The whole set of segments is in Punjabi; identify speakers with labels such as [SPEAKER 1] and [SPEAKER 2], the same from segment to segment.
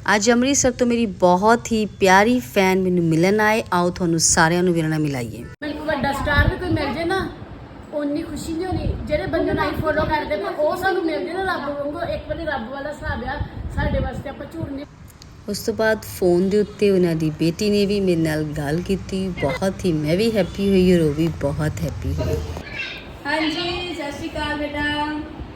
[SPEAKER 1] ਅੱਜ ਅੰਮ੍ਰਿਤਸਰ ਤੋਂ ਮੇਰੀ ਬਹੁਤ ਹੀ ਪਿਆਰੀ ਫੈਨ ਮੈਨੂੰ ਮਿਲਣ ਆਏ। ਆਓ ਤੁਹਾਨੂੰ ਸਾਰਿਆਂ ਨੂੰ ਵੀਰਾਂ ਨਾਲ ਮਿਲਾਈਏ।
[SPEAKER 2] ਮੈਨੂੰ ਵੱਡਾ ਸਟਾਰ ਵੀ ਕੋਈ ਮਿਲ ਜੇ ਨਾ ਉਨੀ ਖੁਸ਼ੀ ਨਹੀਂ ਹੋਣੀ। ਜਿਹੜੇ ਬੰਦੇ ਨੂੰ ਅਸੀਂ ਫੋਲੋ ਕਰਦੇ ਪਏ ਉਹ ਸਾਨੂੰ ਮਿਲ ਜੇ ਨਾ ਰੱਬ ਵਾਂਗੂ। ਇੱਕ ਵਾਰੀ ਰੱਬ ਵਾਲਾ ਹਿਸਾਬ ਆ ਸਾਡੇ ਵਾਸਤੇ, ਆਪਾਂ ਝੂਠ ਨਹੀਂ।
[SPEAKER 1] ਉਸ ਤੋਂ ਬਾਅਦ ਫੋਨ ਦੇ ਉੱਤੇ ਉਹਨਾਂ ਦੀ ਬੇਟੀ ਨੇ ਵੀ ਮੇਰੇ ਨਾਲ ਗੱਲ ਕੀਤੀ। ਬਹੁਤ ਹੀ ਮੈਂ ਵੀ ਹੈਪੀ ਹੋਈ ਔਰ ਉਹ ਵੀ ਬਹੁਤ ਹੈਪੀ ਹੋਈ।
[SPEAKER 3] ਹਾਂਜੀ, ਸਤਿ ਸ਼੍ਰੀ ਅਕਾਲ ਬੇਟਾ।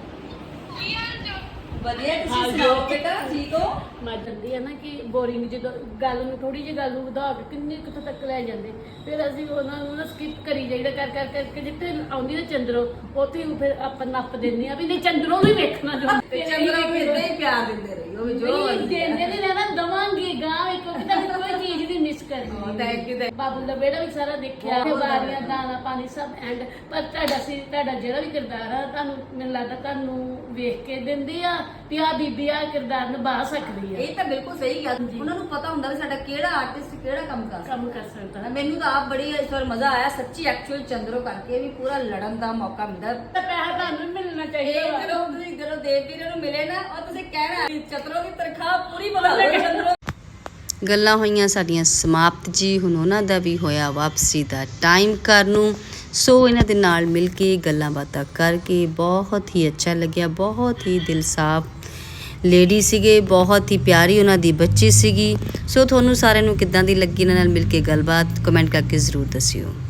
[SPEAKER 3] ਵਧੀਆ, ਤੁਸੀਂ ਸੁਣਾਓ ਬੇਟਾ, ਠੀਕ ਹੋ?
[SPEAKER 2] ਮੈਂ ਜਾਂਦੀ ਆ ਨਾ ਕਿ ਬੋਰਿੰਗ ਜਦੋਂ ਗੱਲ ਨੂੰ ਥੋੜੀ ਜਿਹੀ ਗੱਲ ਨੂੰ ਵਧਾ ਕੇ ਕਿੰਨੇ ਕਿੱਥੋਂ ਤੱਕ ਲੈ ਜਾਂਦੇ, ਫਿਰ ਅਸੀਂ ਉਹਨਾਂ ਨੂੰ ਨਾ ਸਕਿਪ ਕਰੀ ਜਾਈਦਾ ਕਰ ਕਰਕੇ ਜਿੱਥੇ ਆਉਂਦੀ ਨਾ ਚੰਦਰੋ ਉੱਥੇ ਫਿਰ ਆਪਾਂ ਨੱਪ ਦਿੰਦੇ ਆ ਵੀ ਨਹੀਂ ਚੰਦਰੋਂ ਵੀ ਵੇਖਣਾ ਜੋ
[SPEAKER 3] ਤੇ ਚੰਦਰਾ ਵੀ ਇਦਾਂ ਹੀ ਪਿਆਰ ਦਿੰਦੇ ਰਹੀ ਉਹ ਵੀ ਜੋ
[SPEAKER 2] ਦਿੰਦੇ ਨਹੀਂ ਰਹਿਣਾ ਦਵਾਂਗੇ ਗਾਂ ਕਿਉਂਕਿ ਤੁਹਾਨੂੰ ਕੋਈ ਚੀਜ਼ ਨਹੀਂ ਮਿਸ ਕਰਨੀ।
[SPEAKER 3] Thank you.
[SPEAKER 2] ਬਾਬੂ ਦਾ ਬੇੜਾ ਵੀ ਸਾਰਾ ਦੇਖਿਆ, ਬਾਰੀਆਂ ਦਾਣਾ ਪਾਣੀ ਸਭ ਐਂਡ ਪਰ ਤੁਹਾਡਾ ਜਿਹੜਾ ਵੀ ਕਿਰਦਾਰ ਆ ਤੁਹਾਨੂੰ ਮੈਨੂੰ ਲੱਗਦਾ ਤੁਹਾਨੂੰ ਵੇਖ ਕੇ ਦਿੰਦੇ ਆ ਵੀ ਆ ਬੀਬੀ ਆ ਕਿਰਦਾਰ ਨਿਭਾ ਸਕਦੀ ਆ।
[SPEAKER 3] ਇਹ ਤਾਂ ਬਿਲਕੁਲ ਸਹੀ ਗੱਲ। ਉਹਨਾਂ ਨੂੰ ਪਤਾ ਹੁੰਦਾ ਵੀ ਸਾਡਾ ਕਿਹੜਾ ਆਰਟਿਸਟ ਕਿਹੜਾ ਕੰਮ
[SPEAKER 2] ਸਕਦਾ।
[SPEAKER 3] ਮੈਨੂੰ ਤਾਂ ਆਪ ਬੜੀ ਇਸ ਵਾਰ ਮਜ਼ਾ ਆਇਆ ਸੱਚੀ। ਐਕਚੁਅਲ ਚੰਦਰੋ ਕਰਕੇ ਵੀ ਪੂਰਾ ਲੜਨ ਦਾ ਮੌਕਾ ਮਿਲਦਾ।
[SPEAKER 2] ਤਾਂ ਪੈਸਾ ਤੁਹਾਨੂੰ ਮਿਲਣਾ ਚਾਹੀਦਾ।
[SPEAKER 3] ਜਦੋਂ ਤੁਸੀਂ ਜਦੋਂ ਦੇਵ ਵੀਰੇ ਨੂੰ ਮਿਲੇ ਨਾ ਉਹ ਤੁਸੀਂ ਕਹਿਣਾ ਚਤਰੋ ਦੀ ਤਨਖਾਹ ਪੂਰੀ ਬਣਾ ਲਓ ਚੰਦਰੋ।
[SPEAKER 1] ਗੱਲਾਂ ਹੋਈਆਂ ਸਾਡੀਆਂ ਸਮਾਪਤ ਜੀ। ਹੁਣ ਉਹਨਾਂ ਦਾ ਵੀ ਹੋਇਆ ਵਾਪਸੀ ਦਾ ਟਾਈਮ ਘਰ ਨੂੰ। ਸੋ ਇਹਨਾਂ ਦੇ ਨਾਲ ਮਿਲ ਕੇ ਗੱਲਾਂ ਬਾਤਾਂ ਕਰਕੇ ਬਹੁਤ ਹੀ ਅੱਛਾ ਲੱਗਿਆ। ਬਹੁਤ ਹੀ ਦਿਲ ਸਾਫ਼ ਲੇਡੀ ਸੀਗੇ, ਬਹੁਤ ਹੀ ਪਿਆਰੀ ਉਹਨਾਂ ਦੀ ਬੱਚੀ ਸੀਗੀ। ਸੋ ਤੁਹਾਨੂੰ ਸਾਰਿਆਂ ਨੂੰ ਕਿੱਦਾਂ ਦੀ ਲੱਗੀ ਇਹਨਾਂ ਨਾਲ ਮਿਲ ਕੇ ਗੱਲਬਾਤ ਕਮੈਂਟ ਕਰਕੇ ਜ਼ਰੂਰ ਦੱਸਿਓ।